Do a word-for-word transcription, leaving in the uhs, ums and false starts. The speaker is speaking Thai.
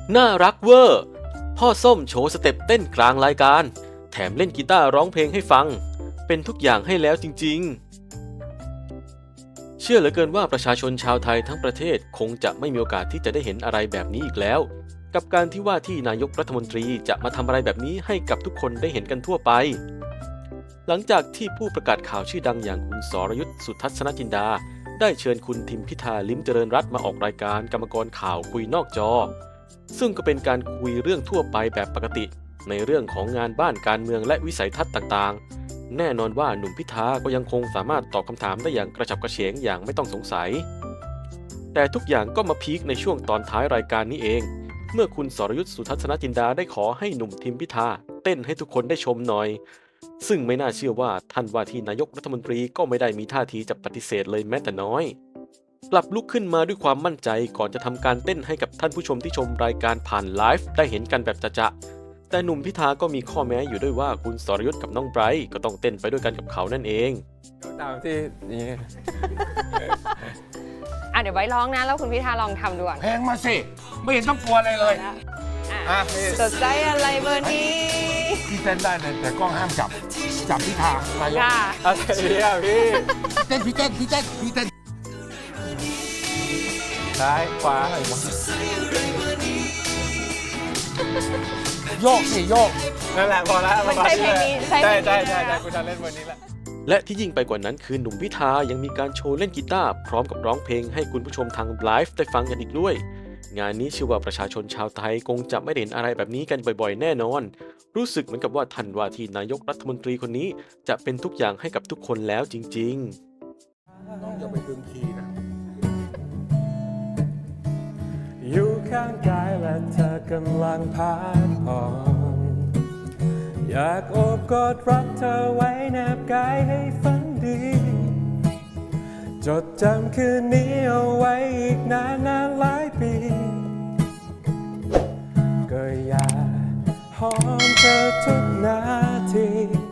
น่ารักเวอร์พ่อส้มโชว์สเต็ปเต้นกลางรายการแถมเล่นกีตาร์ร้องเพลงให้ฟังเป็นทุกอย่างให้แล้วจริงๆเชื่อเหลือเกินว่าประชาชนชาวไทยทั้งประเทศคงจะไม่มีโอกาสที่จะได้เห็นอะไรแบบนี้อีกแล้วกับการที่ว่าที่นายกรัฐมนตรีจะมาทำอะไรแบบนี้ให้กับทุกคนได้เห็นกันทั่วไปหลังจากที่ผู้ประกาศข่าวชื่อดังอย่างคุณสรยุทธสุทัศนจินดาได้เชิญคุณทิมพิธาลิ้มเจริญรัตน์มาออกรายการกรรมกรข่าวคุยนอกจอซึ่งก็เป็นการคุยเรื่องทั่วไปแบบปกติในเรื่องของงานบ้านการเมืองและวิสัยทัศน์ต่างๆแน่นอนว่าหนุ่มพิธาก็ยังคงสามารถตอบคำถามได้อย่างกระฉับกระเฉงอย่างไม่ต้องสงสัยแต่ทุกอย่างก็มาพีคในช่วงตอนท้ายรายการนี้เองเมื่อคุณสรยุทธสุทัศนจินดาได้ขอให้หนุ่มทิมพิธาเต้นให้ทุกคนได้ชมหน่อยซึ่งไม่น่าเชื่อว่าท่านว่าที่นายกรัฐมนตรีก็ไม่ได้มีท่าทีจะปฏิเสธเลยแม้แต่น้อยกลับลุกขึ้นมาด้วยความมั่นใจก่อนจะทำการเต้นให้กับท่านผู้ชมที่ชมรายการผ่านไลฟ์ได้เห็นกันแบบจะๆแต่หนุ่มพิธาก็มีข้อแม้อยู่ด้วยว่าคุณสรยุทธกับน้องไบรท์ก็ต้องเต้นไปด้วยกันกับเขานั่นเองตามที่นี่อ่ะเดี๋ยวไว้ร้องนะแล้วคุณพิธาลองทำดูก่อนเพลงมาสิไม่เห็นต้องกลัวอะไรเลยอ่ะอ่ะพี่สดใจอะไรเบอร์นี้พี่เต้นได้เลยแต่กล้องห้ามจับจับพี่ทางนายกค่ะอะไรเนี่ยพี่เต้นพี่เต้นพี่เต้นพี่เต้นซ้ายขวาโยกสิโยกนั่นแหละพอแล้วมันใช่เพลงนี้ใช่เพลใช่งนี้ใช่ใช่นะใช่คุณจะเล่นวันนี้แหละและที่ยิ่งไปกว่านั้นคือหนุ่มพิธายังมีการโชว์เล่นกีตาร์พร้อมกับร้องเพลงให้คุณผู้ชมทางไลฟ์ได้ฟังกันอีกด้วยงานนี้เชื่อว่าประชาชนชาวไทยคงจะไม่ได้เห็นอะไรแบบนี้กันบ่อยๆแน่นอนรู้สึกเหมือนกับว่าท่านว่าที่นายกรัฐมนตรีคนนี้จะเป็นทุกอย่างให้กับทุกคนแล้วจริงๆน้องอย่าไปดึงคีย์นะอยู่ข้างกายและเธอกำลังพักผ่อนอยากโอบกอดรักเธอไว้แนบกายให้ฝันดีจดจำคืนนี้เอาไว้อีกนานนานหลายปีก็อยากหอมเธอทุกนาที